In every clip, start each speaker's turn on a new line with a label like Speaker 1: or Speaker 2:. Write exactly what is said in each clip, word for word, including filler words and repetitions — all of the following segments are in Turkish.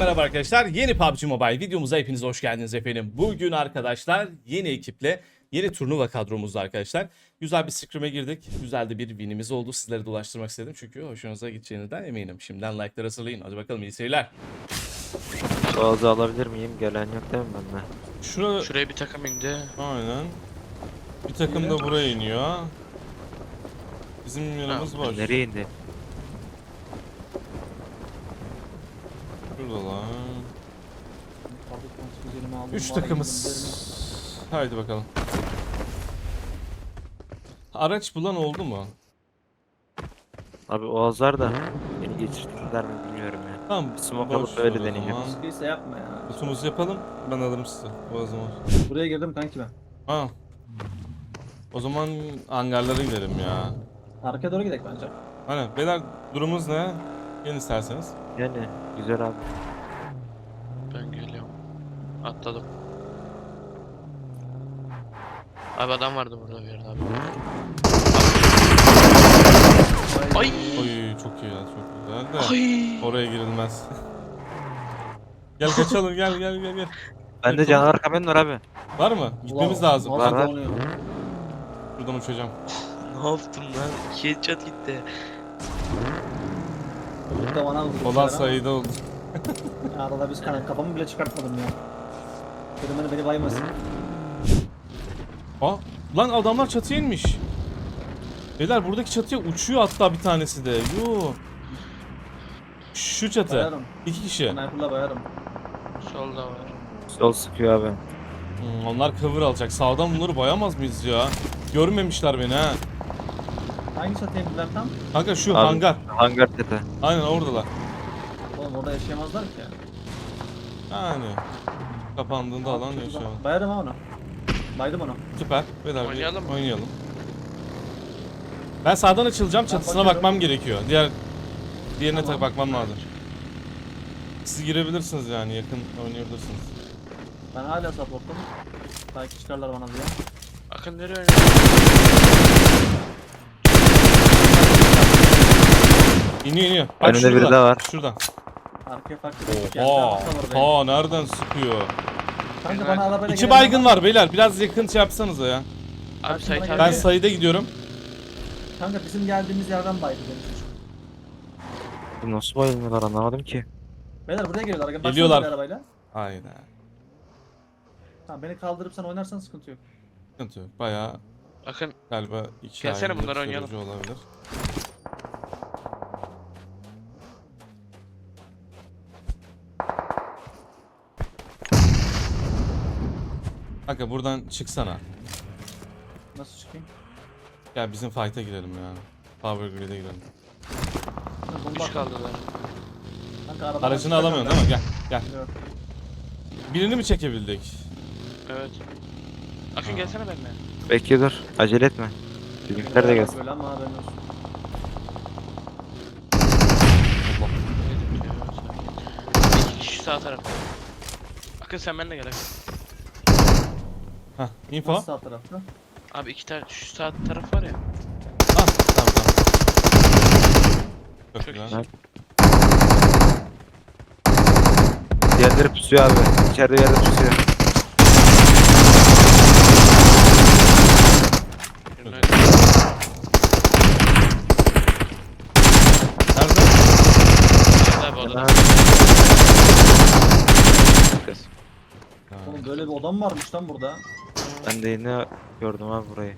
Speaker 1: merhaba arkadaşlar. Yeni P U B G Mobile videomuza hepiniz hoş geldiniz efendim. Bugün arkadaşlar yeni ekiple yeni turnuva kadromuzda arkadaşlar. Güzel bir scrimm'e girdik. Güzel de bir winimiz oldu. Sizlere de ulaştırmak istedim çünkü hoşunuza gideceğinizden eminim. Şimdiden like'lar hazırlayın. Hadi bakalım, iyi seyirler.
Speaker 2: Boğazı alabilir miyim? Gelen yok değil mi bende?
Speaker 1: Şura...
Speaker 3: Şuraya bir takım indi.
Speaker 1: Aynen. Bir takım da buraya iniyor. Bizim yanımız var.
Speaker 2: Nereye indi?
Speaker 1: Şuradalar. Üç takımız. Haydi bakalım. Araç bulan oldu mu?
Speaker 2: Abi Oğazlar da beni geçirdiler mi bilmiyorum ya.
Speaker 1: Tamam.
Speaker 2: Bir smoke
Speaker 1: boş
Speaker 2: alıp öyle
Speaker 1: ver o
Speaker 2: deneyeceğim.
Speaker 1: zaman.
Speaker 4: Sıkıysa yapma ya.
Speaker 1: Kutumuzu yapalım. Ben alırım sizi. O zaman.
Speaker 4: Buraya girdim kanki ben.
Speaker 1: Ha. O zaman hangarlara gidelim ya.
Speaker 4: Arkaya doğru gidelim bence.
Speaker 1: Hani beyler, durumunuz ne? Gelin isterseniz.
Speaker 2: Yani güzel abi.
Speaker 3: Ben geliyorum. Atladım. Abi adam vardı burada bir yerde abi. Ay.
Speaker 1: Oy, çok iyi ya, çok güzel de.
Speaker 3: Ay.
Speaker 1: Oraya girilmez. Gel kaçalım, gel gel gel gel.
Speaker 2: Bende
Speaker 1: Evet,
Speaker 2: canavar kamen var abi.
Speaker 1: Var mı? Gitmemiz
Speaker 4: Ulan,
Speaker 1: lazım.
Speaker 4: nasıl
Speaker 2: Var, var.
Speaker 4: donuyor?
Speaker 1: Buradan uçacağım.
Speaker 3: Ne yaptım lan? İki headshot gitti.
Speaker 4: Çocuk da bana vurdu.
Speaker 1: Olan
Speaker 4: bir şeyler
Speaker 1: sayıda oldu.
Speaker 4: ama Arada biz kan kafamı bile çıkartmadım ya. Dedim beni beni baymasın.
Speaker 1: Aa, lan adamlar çatıya inmiş. Beyler, buradaki çatıya uçuyor hatta bir tanesi de. Yoo. Şu çatı.
Speaker 4: Bayarım.
Speaker 1: İki kişi.
Speaker 4: Sniper'la bayarım.
Speaker 3: Solda var.
Speaker 2: Sol sıkıyor abi.
Speaker 1: Hmm, onlar cover alacak. Sağdan bunları bayamaz mıyız ya? Görmemişler beni ha.
Speaker 4: Hangi çatıya indiler tam?
Speaker 1: Kanka şu
Speaker 2: Abi,
Speaker 1: hangar.
Speaker 2: Hangar tepe.
Speaker 1: Aynen oradalar.
Speaker 4: Oğlum orada yaşayamazlar ki.
Speaker 1: Yani. Kapandığında alan yaşıyor.
Speaker 4: Bayarım ha onu. Baydım onu.
Speaker 1: Süper. Beyler, bir
Speaker 3: Oynayalım mı?
Speaker 1: Oynayalım. Ben sağdan açılacağım. Çatısına
Speaker 4: bakıyorum.
Speaker 1: bakmam gerekiyor. Diğer diğerine
Speaker 4: Tamam.
Speaker 1: tak bakmam lazım. Siz girebilirsiniz yani, yakın oynayabilirsiniz.
Speaker 4: Ben hala supportum. Belki çıkarlar bana diye.
Speaker 3: Akın nereye oynuyor?
Speaker 1: İniyor iniyor. Bak
Speaker 2: Önünde
Speaker 1: şurada.
Speaker 2: biri de var.
Speaker 1: Şurada.
Speaker 4: Arkaya farklı bir geldi.
Speaker 1: Oha.
Speaker 4: Altta var benim.
Speaker 1: Ha, nereden sıkıyor?
Speaker 4: Kanka bana arabayla
Speaker 1: İki
Speaker 4: gelen
Speaker 1: baygın
Speaker 4: adam-
Speaker 1: var beyler. Biraz yakın şey yapsanıza ya.
Speaker 3: Abi Sait abi.
Speaker 1: Ben sayıda gidiyorum.
Speaker 4: Kanka bizim geldiğimiz yerden baydı benim çocuk.
Speaker 2: Bu nasıl bayılmıyorlar anlamadım ki.
Speaker 4: Beyler buraya geliyorlar. Baksanıza
Speaker 1: Geliyorlar.
Speaker 4: bir arabayla.
Speaker 1: Aynen.
Speaker 4: Tamam beni kaldırıp sen oynarsan sıkıntı yok.
Speaker 1: Sıkıntı yok. Bayağı
Speaker 3: Akın
Speaker 1: galiba iki
Speaker 3: Gelsene
Speaker 1: ayrı
Speaker 3: bunları oynayalım.
Speaker 1: sürücü olabilir. Kanka buradan çıksana.
Speaker 4: Nasıl çıkayım?
Speaker 1: Gel bizim fight'a girelim ya. Power Grid'e girelim.
Speaker 4: Ha, bomba
Speaker 3: üç
Speaker 4: attım.
Speaker 3: kaldılar.
Speaker 4: Kanka arabadan
Speaker 1: Aracını
Speaker 4: çıkacağım
Speaker 1: alamıyorsun
Speaker 4: ben.
Speaker 1: değil mi? Gel gel.
Speaker 4: Yok.
Speaker 1: Birini mi çekebildik?
Speaker 3: Evet. Akın gelsene benimle.
Speaker 2: Bekle dur. Acele etme. Bizimkiler de gelsin.
Speaker 4: Böyle ama haberin olsun.
Speaker 3: Neydi biliyor musun? İki kişi sağ tarafta. Akın sen benimle gel Akın.
Speaker 1: Hah, info.
Speaker 4: Nasıl sağ tarafta?
Speaker 3: Abi iki tane şu sağ taraf var ya.
Speaker 1: Ah, tamam tamam. Çok
Speaker 3: Çok
Speaker 1: güzel.
Speaker 3: iyi.
Speaker 2: Diğerleri pusuyor abi. İçeride yerde pusuyor.
Speaker 3: Birine-
Speaker 1: Nerede?
Speaker 3: İçeride abi odada.
Speaker 2: Ha,
Speaker 1: Ha.
Speaker 4: Oğlum böyle bir odam varmış lan burada.
Speaker 2: Ben de yine gördüm abi burayı.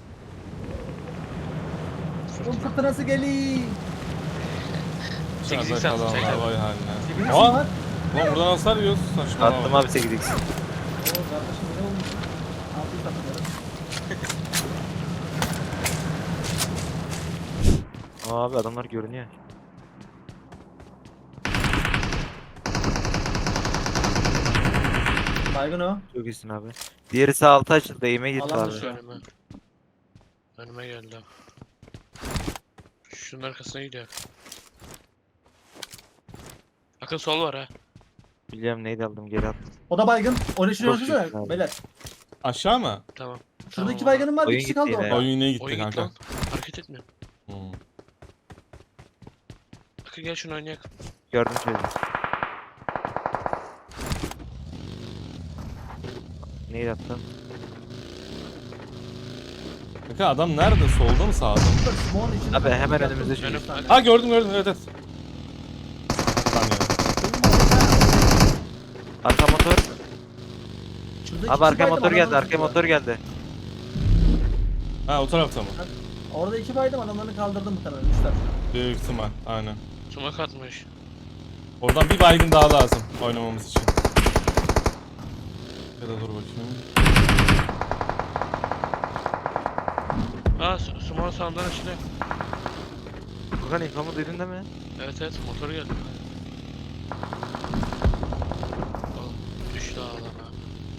Speaker 4: Oğlum fırtınası geliyor.
Speaker 3: sekiz
Speaker 1: Dışarıda
Speaker 3: x attım,
Speaker 1: kalanlar
Speaker 3: çek abi.
Speaker 1: vay haline.
Speaker 4: Sekiz
Speaker 1: Aa!
Speaker 4: var.
Speaker 1: Lan buradan hasar yiyoruz. Saçmalama.
Speaker 2: Attım abi sekiz x.
Speaker 4: Oo kardeşim ne olmuş? Altı takımları.
Speaker 2: Aa abi adamlar görünüyor.
Speaker 4: Baygın o.
Speaker 2: Çok iyisin abi. Diğeri sağ altı açıldı. Eğime gitti
Speaker 4: Alan
Speaker 2: abi.
Speaker 4: dışı.
Speaker 3: Önüme. Önüme geldi. Şunun arkasına gidiyor. Akın sol var ha.
Speaker 2: Biliyorum neydi aldım geri attım.
Speaker 4: O da baygın. Onun için
Speaker 2: Çok
Speaker 4: ölçüsene
Speaker 2: iyisin abi.
Speaker 4: beyler.
Speaker 1: Aşağı mı?
Speaker 3: Tamam.
Speaker 4: Şurada
Speaker 3: Tamam
Speaker 4: iki
Speaker 3: abi.
Speaker 4: baygınım var. Bir
Speaker 2: Oyun
Speaker 4: kişi
Speaker 2: gitti
Speaker 4: kaldı
Speaker 2: yine
Speaker 4: orada.
Speaker 2: ya.
Speaker 1: Oyun yine gitti
Speaker 3: Oyun git
Speaker 1: kanka.
Speaker 3: lan. Hareket etmiyor.
Speaker 1: Hmm.
Speaker 3: Akın gel şunu oynayalım.
Speaker 2: Gördüm çocuğu. Neyi attın?
Speaker 1: Kanka adam nerede? Solda mı sağda mı?
Speaker 4: Bak, smoke'un içinde
Speaker 2: Abi,
Speaker 4: kanka,
Speaker 2: hemen
Speaker 4: bir
Speaker 2: önümüzde
Speaker 4: yaptım,
Speaker 3: çocuk.
Speaker 4: üç tane.
Speaker 1: Ha gördüm gördüm evet evet. Tamam yani.
Speaker 2: Arka motor.
Speaker 4: Şurada iki
Speaker 2: Abi
Speaker 4: kişi
Speaker 2: arka
Speaker 4: baydım,
Speaker 2: motor geldi,
Speaker 4: adamları
Speaker 2: arka motor
Speaker 4: tutuyor.
Speaker 2: geldi.
Speaker 1: Ha o tarafta mı?
Speaker 4: Orada iki baydım, adamlarını kaldırdım muhtemelen. Üçler.
Speaker 1: Büyük ihtimal aynen.
Speaker 3: Sumak atmış.
Speaker 1: Oradan bir baygın daha lazım oynamamız için. Ya da dur bakayım.
Speaker 3: Aa su- sumak sağından açılıyor.
Speaker 2: Furkan infomu duydun değil mi?
Speaker 3: Evet evet motor geldi. Oğlum düştü adam ha.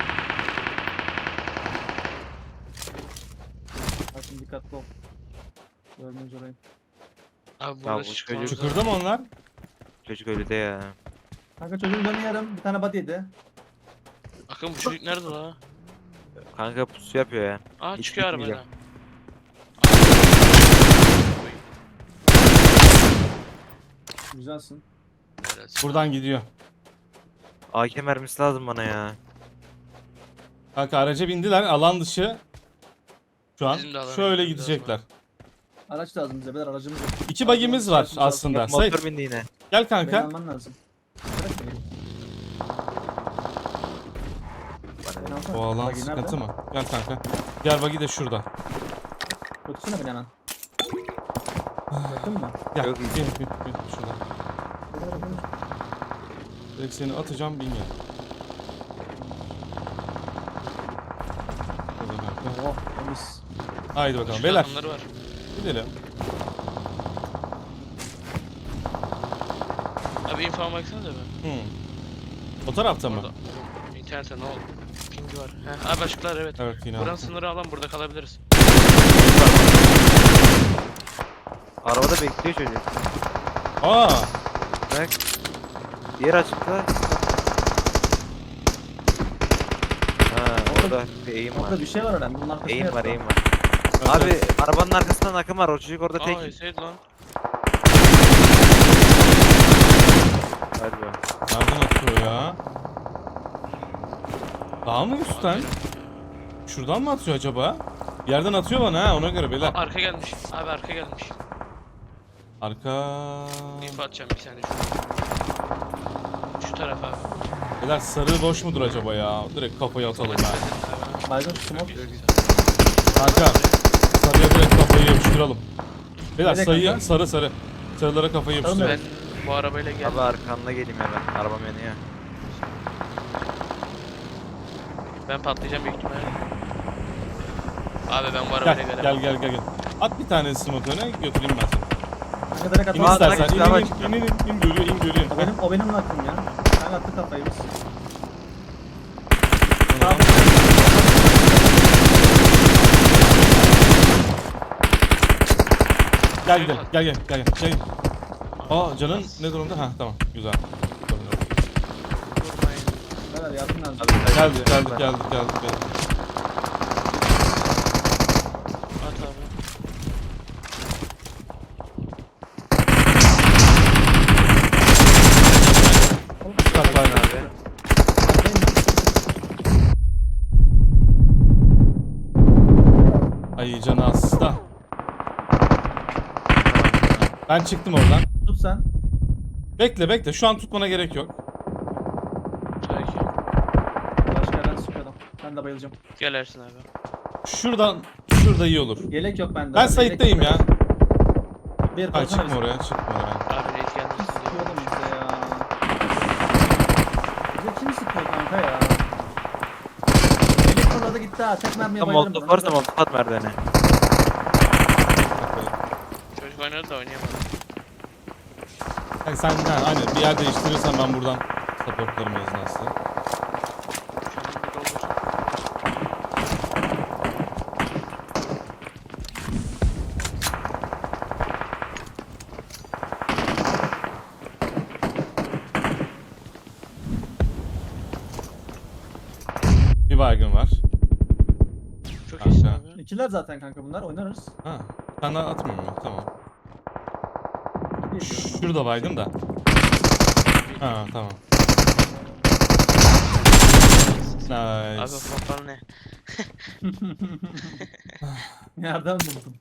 Speaker 4: Bakın dikkatli ol. Görmeyiz orayı.
Speaker 3: Abi
Speaker 2: Ya
Speaker 3: burada
Speaker 2: bu
Speaker 3: çıkmamız
Speaker 2: çocuk-
Speaker 1: Çukurda mı onlar?
Speaker 2: Çocuk ölüde ya.
Speaker 4: Kanka çocuğun canı yarım. Bir tane body yedi.
Speaker 3: Akın bu çocuk nerede la?
Speaker 2: Kanka pusu yapıyor ya.
Speaker 3: Aa
Speaker 2: Hiç
Speaker 3: çıkıyor
Speaker 2: gitmeyecek.
Speaker 3: arabayla.
Speaker 4: Güzelsin.
Speaker 1: Buradan gidiyor.
Speaker 2: A K mermisi lazım bana ya.
Speaker 1: Kanka araca bindiler alan dışı. Şu an
Speaker 3: Bizim de alana
Speaker 1: şöyle
Speaker 3: gitmemiz
Speaker 1: gidecekler.
Speaker 4: Araç lazım bize. Beyler aracımız yok.
Speaker 1: İki bagimiz var
Speaker 4: Aracımız lazım.
Speaker 1: aslında. Sait
Speaker 2: Motor bindi yine.
Speaker 1: gel
Speaker 4: Beni
Speaker 1: kanka.
Speaker 4: alman lazım. Bırak beni. Beni alsana.
Speaker 1: Bu alan
Speaker 4: Buggy
Speaker 1: sıkıntı
Speaker 4: nerede?
Speaker 1: mı? Gel kanka. Gel bagi de şurada.
Speaker 4: Götürsene beni hemen. Yakın mı?
Speaker 1: Gel.
Speaker 2: Yok,
Speaker 1: Bin,
Speaker 2: iyi.
Speaker 1: bin, bin, şurada. Direkt seni atacağım bin gel. Şurada kanka.
Speaker 4: Oh temiz.
Speaker 1: Haydi bakalım
Speaker 3: Şurada
Speaker 1: beyler
Speaker 3: adamları var.
Speaker 1: gidelim.
Speaker 3: Abi info baksanıza be.
Speaker 1: Hmm. O tarafta mı?
Speaker 3: Orada. İnternette ne oldu? Ping var. He, abi açıklar evet.
Speaker 1: Evet yine
Speaker 3: Buranın
Speaker 1: altı.
Speaker 3: sınırı alan burada kalabiliriz.
Speaker 2: Arabada bekliyor çocuk.
Speaker 1: Aa,
Speaker 2: Bak. Diğer açıkta. Ha orada bir eğim var.
Speaker 4: Orada bir şey var herhalde. Bunun arkasında
Speaker 2: Eğim var
Speaker 4: yatıyor.
Speaker 2: eğim var.
Speaker 1: evet,
Speaker 2: Abi
Speaker 1: evet.
Speaker 2: arabanın arkasından akım var. O çocuk orada
Speaker 3: Aa
Speaker 2: tek.
Speaker 3: Hüseyin lan.
Speaker 2: Hadi be.
Speaker 1: Nereden atıyor ya? Daha mı üstten? Şuradan mı atıyor acaba? Bir yerden atıyor bana ha ona göre beyler.
Speaker 3: Aa, arka gelmiş. Abi arka gelmiş.
Speaker 1: Arka...
Speaker 3: İnfo atacağım bir saniye şu. Şu taraf abi.
Speaker 1: Beyler sarı boş mudur acaba ya? Direkt kafayı atalım ya.
Speaker 4: Baygın smoke.
Speaker 1: Kanka sarıya direkt kafayı yapıştıralım. Beyler
Speaker 4: Nereye
Speaker 1: sayı
Speaker 4: kanka?
Speaker 1: sarı sarı. Sarılara kafayı yapıştıralım.
Speaker 3: Ben bu arabayla geldim.
Speaker 2: Abi arkanda geleyim hemen. Arabam yanıyor.
Speaker 3: Ben patlayacağım büyük ihtimalle. Abi ben bu
Speaker 1: Gel
Speaker 3: arabayla
Speaker 1: gel
Speaker 3: gelemem.
Speaker 1: gel gel. gel. At bir tane smoke öne götüreyim ben seni.
Speaker 4: Kanka direkt
Speaker 1: İn
Speaker 4: atma.
Speaker 2: Aa,
Speaker 1: istersen.
Speaker 2: direkt
Speaker 1: İn
Speaker 2: hava
Speaker 1: in
Speaker 2: çıkıyor.
Speaker 1: in in in, in görüyor in görüyor.
Speaker 4: O benim, o benim hakkım ya. Ben attı kafayı biz.
Speaker 1: Tamam. Gel gidelim. Gel gel gel gel. gel. Aa canın ne durumda? Ha tamam güzel.
Speaker 3: Vurmayın.
Speaker 4: Beyler yardım lazım.
Speaker 2: Abi,
Speaker 1: Geldik geldik geldik geldik. geldik.
Speaker 3: At abi.
Speaker 1: Bak, bak.
Speaker 2: abi.
Speaker 1: Ay canı hasta. Ben çıktım oradan.
Speaker 4: Tut sen.
Speaker 1: Bekle bekle şu an tutmana gerek yok.
Speaker 3: Peki.
Speaker 4: Başka yerden sıkıyor adam. Ben de bayılacağım.
Speaker 3: Gel Ersin abi.
Speaker 1: Şuradan şurada iyi olur.
Speaker 4: Yelek yok bende.
Speaker 1: Ben
Speaker 4: abi,
Speaker 1: Sait'teyim
Speaker 4: yelek
Speaker 1: ya.
Speaker 4: yok. Bir
Speaker 1: Ay
Speaker 4: koysana
Speaker 1: çıkma
Speaker 4: bizi.
Speaker 1: oraya çıkma oraya.
Speaker 3: Abi reis
Speaker 4: Kim
Speaker 3: gelmesin
Speaker 4: sıkıyor oğlum
Speaker 3: diye.
Speaker 4: bize ya? Bize kim sıkıyor kanka ya? Yelek fırladı gitti ha. Tek mermiye
Speaker 2: Tam
Speaker 4: bayılırım.
Speaker 2: molotof
Speaker 4: buna.
Speaker 2: varsa molotof at merdivene.
Speaker 3: Çocuk oynadı da oynayamadı.
Speaker 1: Yani sen ha, aynen bir yer değiştirirsen ben buradan supportlarım esnası.
Speaker 3: Şu an burada olursa.
Speaker 1: Bir baygın var.
Speaker 3: Çok iyisin
Speaker 1: Kanka.
Speaker 3: abi.
Speaker 4: İkiler zaten kanka bunlar oynarız.
Speaker 1: Ha. Sen daha atmıyor mu? Tamam.
Speaker 4: İyi diyorum.
Speaker 1: Şurada baygın da. Ha tamam.
Speaker 3: Abi
Speaker 1: Nice.
Speaker 3: pompalı ne?
Speaker 4: Nereden buldun?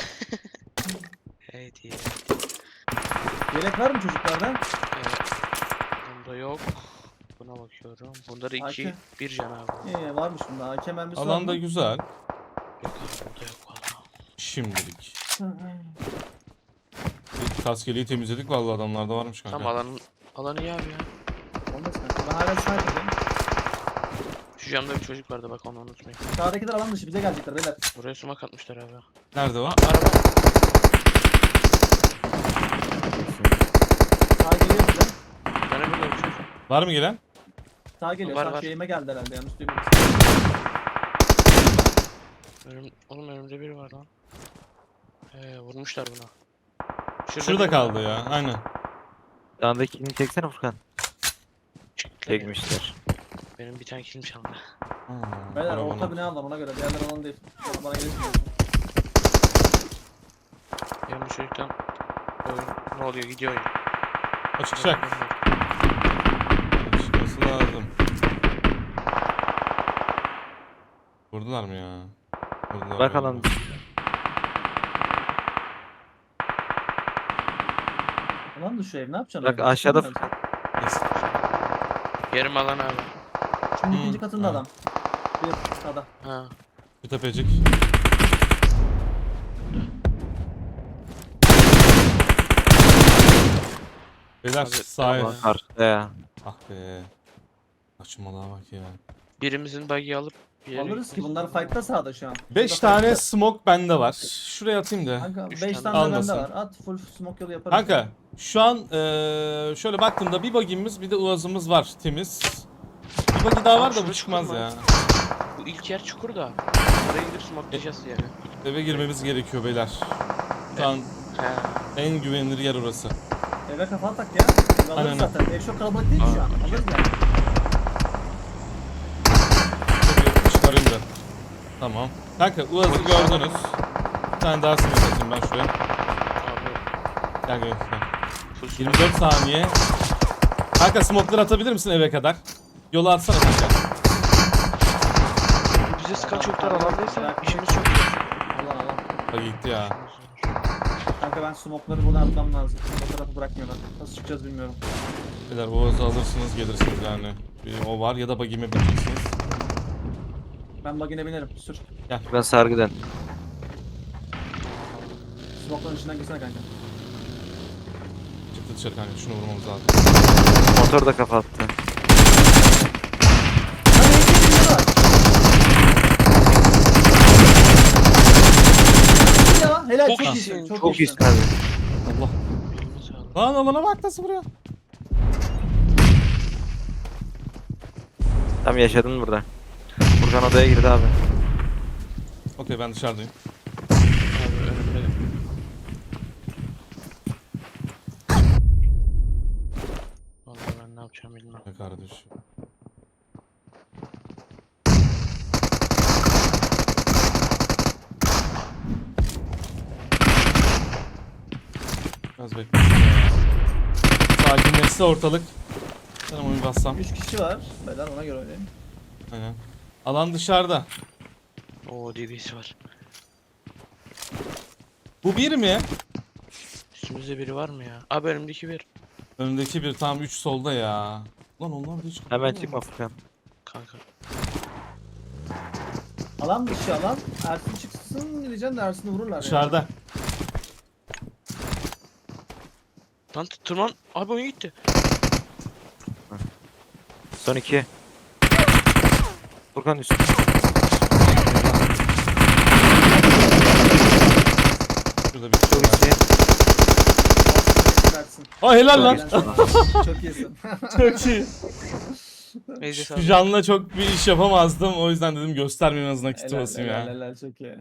Speaker 3: Evet iyi.
Speaker 4: Yelek var mı çocuklarda?
Speaker 3: Evet. Bunda yok. Buna bakıyorum. Bunları iki,
Speaker 4: A K.
Speaker 3: bir can abi.
Speaker 4: İyi varmış bunda. A K mermisi var
Speaker 1: Alan da
Speaker 4: mı?
Speaker 1: güzel.
Speaker 3: Yok abi burada yok valla.
Speaker 1: Şimdilik. Kaskeliği temizledik vallahi adamlarda varmış kanka.
Speaker 3: Tam alanın alanı iyi abi ya.
Speaker 4: Olmaz kanka. Ben hala sniper'dayım.
Speaker 3: Şu camda bir çocuk vardı bak onu unutmayın.
Speaker 4: Sağdakiler alan dışı bize gelecekler beyler.
Speaker 3: Buraya sumak atmışlar abi.
Speaker 1: Nerede o?
Speaker 3: Aa, araba.
Speaker 4: Sağ geliyor bize.
Speaker 3: Bana burada bir şey.
Speaker 1: Var mı gelen?
Speaker 4: Sağ geliyor.
Speaker 3: Var,
Speaker 4: Sağ
Speaker 3: var.
Speaker 4: şeyime geldi herhalde. Yanlış duymadım.
Speaker 3: Önüm, oğlum önümde biri var lan. Ee, vurmuşlar buna.
Speaker 1: Şurada
Speaker 3: biri var.
Speaker 1: kaldı ya. Aynen.
Speaker 2: Dağındakini çeksene Furkan.
Speaker 3: Çıktı.
Speaker 2: Çekmişler.
Speaker 3: Benim bir tane kilim çaldı.
Speaker 1: Aa,
Speaker 4: Beyler
Speaker 1: arabana.
Speaker 4: orta bina alalım ona göre. Diğerler alan değil. Bana gelirsin.
Speaker 3: Benim bu çocuktan oyun ne oluyor gidiyor oyun.
Speaker 1: Açıkacak. Çıkması lazım. Vurdular mı ya? Vurdular.
Speaker 2: Bakalım.
Speaker 1: galiba.
Speaker 4: Alan dışı ev ne yapacaksın?
Speaker 2: Bak
Speaker 4: orada?
Speaker 2: aşağıda
Speaker 4: Çıkamıyor musun?
Speaker 1: Neyse.
Speaker 3: Yarım alan abi.
Speaker 4: Şimdi
Speaker 1: Hmm,
Speaker 4: ikinci katında
Speaker 1: ha.
Speaker 4: adam. Bir sağda.
Speaker 3: Ha.
Speaker 1: Bir tepecik. Beyler
Speaker 3: Abi,
Speaker 1: sahaya.
Speaker 3: tamam.
Speaker 2: Karşıda ya.
Speaker 1: Ah be. Saçmalığa bak ya.
Speaker 3: Birimizin bug'i alıp bir yere
Speaker 4: Alırız ki
Speaker 3: gitmemiz
Speaker 4: bunlar
Speaker 3: lazım.
Speaker 4: fight'ta sağda şu an.
Speaker 1: beş
Speaker 4: Şurada
Speaker 1: tane
Speaker 4: fight'ta.
Speaker 1: smoke bende var. Şuraya atayım da.
Speaker 4: Kanka
Speaker 3: Üç
Speaker 4: beş
Speaker 3: tane
Speaker 4: tane de
Speaker 1: almasın.
Speaker 4: bende var. At full smoke yolu yaparız.
Speaker 1: Kanka şu an eee, şöyle baktığımda bir bagimiz bir de uazımız var temiz. Bir bagi daha
Speaker 3: Abi
Speaker 1: var da bu
Speaker 3: şurası
Speaker 1: çıkmaz
Speaker 3: çukur mu?
Speaker 1: ya.
Speaker 3: Bu ilk yer çukur da. Oraya gidip smokelayacağız yani.
Speaker 1: Eve girmemiz gerekiyor beyler. Şu an
Speaker 3: He.
Speaker 1: en güvenilir yer orası.
Speaker 4: Eve kafa atak ya.
Speaker 1: Aynen.
Speaker 4: Alırız zaten. Ev çok kalabalık değil ki şu an.
Speaker 3: Aa,
Speaker 4: Alırız yani.
Speaker 1: Şöyle çıkarayım da. Tamam. Kanka uazı gördünüz. Bir tane daha smoke atayım ben şuraya.
Speaker 3: Abi
Speaker 1: Gel gel. gel.
Speaker 3: full smoke.
Speaker 1: yirmi dört saniye. Kanka smoke'ları atabilir misin eve kadar? Yola atsana kanka.
Speaker 3: Bize sıkan çocuklar alandaysa
Speaker 4: Bırak.
Speaker 3: işimiz çok zor.
Speaker 4: Alan alan.
Speaker 1: Bak gitti ya.
Speaker 3: İşimiz zor.
Speaker 4: Kanka ben smoke'ları buradan atmam lazım. O tarafı bırakmıyorlar. Nasıl çıkacağız bilmiyorum.
Speaker 1: Beyler uazı alırsınız gelirsiniz yani. Bir o var ya da bagime bineceksiniz.
Speaker 4: Ben bagine binerim. Sür.
Speaker 2: Ben sargıdan.
Speaker 4: Smoke'ların içinden girsene kanka.
Speaker 1: Çıktı dışarı kanka şunu vurmamız lazım.
Speaker 2: Motor da kafa attı.
Speaker 4: Hadi iki binde var. Ya helal
Speaker 3: Çok
Speaker 4: çok,
Speaker 3: iyisin,
Speaker 4: iyisin. Çok,
Speaker 2: Çok
Speaker 4: iyisin.
Speaker 2: iyisin abi.
Speaker 1: Allah.
Speaker 3: Elimiz sağlık.
Speaker 1: Lan alana bak nasıl vuruyor.
Speaker 2: Tam yaşadın burada. Furkan odaya girdi abi.
Speaker 1: Okey ben dışarıdayım.
Speaker 3: Abi önümde. Vallahi ben ne yapacağım bilmem.
Speaker 1: Ne kardeş. Biraz bekleyin ya. Sakinleşse ortalık. Ben onu bir bassam.
Speaker 4: üç kişi var. Beyler ona göre oynayayım.
Speaker 1: Aynen. Alan dışarıda.
Speaker 3: Oo D B'si var.
Speaker 1: Bu bir mi?
Speaker 3: Üstümüzde biri var mı ya? Abi önümdeki bir.
Speaker 1: Önündeki bir tam üç solda ya. Lan onlar da hiç
Speaker 2: Hemen çıkma Furkan.
Speaker 3: Kanka.
Speaker 4: Alan dışı alan. Ersin çıksın diyeceğim de Ersin'i vururlar. ya.
Speaker 1: Dışarıda.
Speaker 3: Lan tırman. Abi oyun gitti.
Speaker 2: Son iki. Furkan üstü.
Speaker 1: Şurada bir
Speaker 2: Çok
Speaker 1: şey var.
Speaker 2: iyi.
Speaker 4: Ersin.
Speaker 1: Aa helal lan.
Speaker 4: Çok iyisin.
Speaker 1: Çok iyi.
Speaker 3: Neyse
Speaker 1: Şu
Speaker 3: sağlık.
Speaker 1: canla çok bir iş yapamazdım. O yüzden dedim göstermeyeyim en azından kiti
Speaker 4: Helal,
Speaker 1: basayım
Speaker 4: helal,
Speaker 1: ya.
Speaker 4: helal, çok iyi.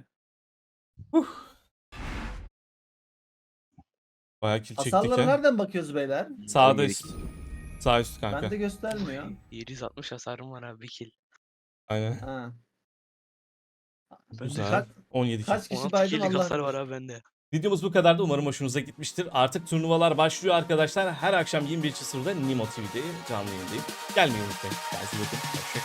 Speaker 1: Bayağı kill çektik
Speaker 4: Hasarlara
Speaker 1: ya.
Speaker 4: nereden bakıyoruz beyler?
Speaker 1: Sağda
Speaker 2: Yedik.
Speaker 1: üst. Sağ üst kanka.
Speaker 4: Bende göstermiyor.
Speaker 3: yedi yüz altmış hasarım var abi bir kill.
Speaker 1: Aynen.
Speaker 4: Ha.
Speaker 1: Güzel.
Speaker 4: Kaç,
Speaker 1: on yedi kill.
Speaker 4: kaç kişi
Speaker 3: on altı
Speaker 4: baydın
Speaker 3: kill'lik
Speaker 4: Allah
Speaker 3: hasar
Speaker 4: bilir.
Speaker 3: var abi bende.
Speaker 1: Videomuz bu kadardı. Umarım hoşunuza gitmiştir. Artık turnuvalar başlıyor arkadaşlar. Her akşam yirmi bir sıfırda Nimo T V'de canlı yayındayım. Gelmeyi unutmayın. Kendinize iyi bakın. Hoşçakalın.